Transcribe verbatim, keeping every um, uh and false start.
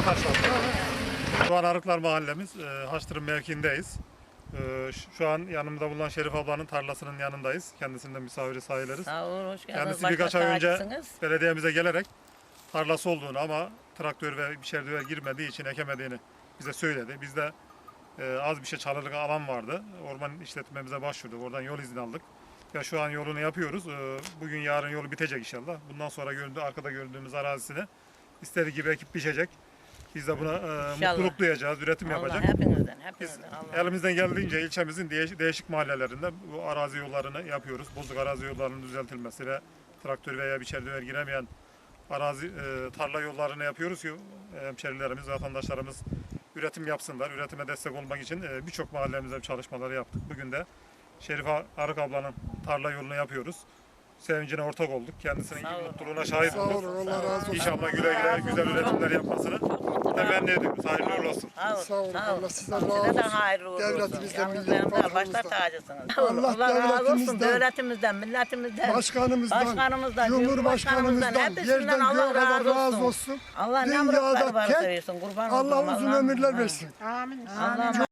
taşlandı. Şu an Arıklar Mahallemiz, e, Haçtırım mevkiindeyiz. E, şu an yanımda bulunan Şerif ablanın tarlasının yanındayız. Kendisinden misafiri sayılırız. Sağ olun, hoş geldiniz. Kendisi Başka birkaç ay önce tacısınız. belediyemize gelerek tarlası olduğunu ama traktör ve bir şerdöver girmediği için ekemediğini bize söyledi. Biz de e, az bir şey çalılık alan vardı. Orman işletmemize başvurduk. Oradan yol izni aldık. Ve şu an yolunu yapıyoruz. E, bugün yarın yolu bitecek inşallah. Bundan sonra gördüğü, arkada gördüğümüz arazisini istediği gibi ekip biçecek. Biz de buna e, mutluluk duyacağız, üretim Allah yapacak. hepinizden, Biz hepinizden. Allah. elimizden geldiğince ilçemizin değiş- değişik mahallelerinde bu arazi yollarını yapıyoruz. Bozuk arazi yollarının düzeltilmesi ve traktör veya biçerdiver giremeyen arazi e, tarla yollarını yapıyoruz ki e, hemşerilerimiz, vatandaşlarımız üretim yapsınlar. Üretime destek olmak için e, birçok mahallemizde çalışmaları yaptık. Bugün de Şerife Arık ablanın tarla yolunu yapıyoruz. Sevincine ortak olduk. Kendisinin Sağ olun. mutluluğuna şahit Sağ olduk. olun, Allah razı olsun. İnşallah güle güle güzel üretimler yapmasını temenni ediyoruz. Hayırlı uğurlu olsun. Sağ olun, Sağ olun, sağ olun. Allah sizden Size razı de olsun. hayırlı uğurlu olsun. Devletimizden, Yalnız millet benim de başta bakanımızdan. tacısınız. Allah Allah razı olsun. devletimizden, Devletimizden, milletimizden, Başkanımızdan, başkanımızdan, Cumhurbaşkanımızdan, hepsinden yerden Allah göğe kadar razı razı olsun. olsun. Allah ne Dünyada muratları varsa tek versin. Kurban Allah olduğum uzun Allah'ım. ömürler versin. Allah'ım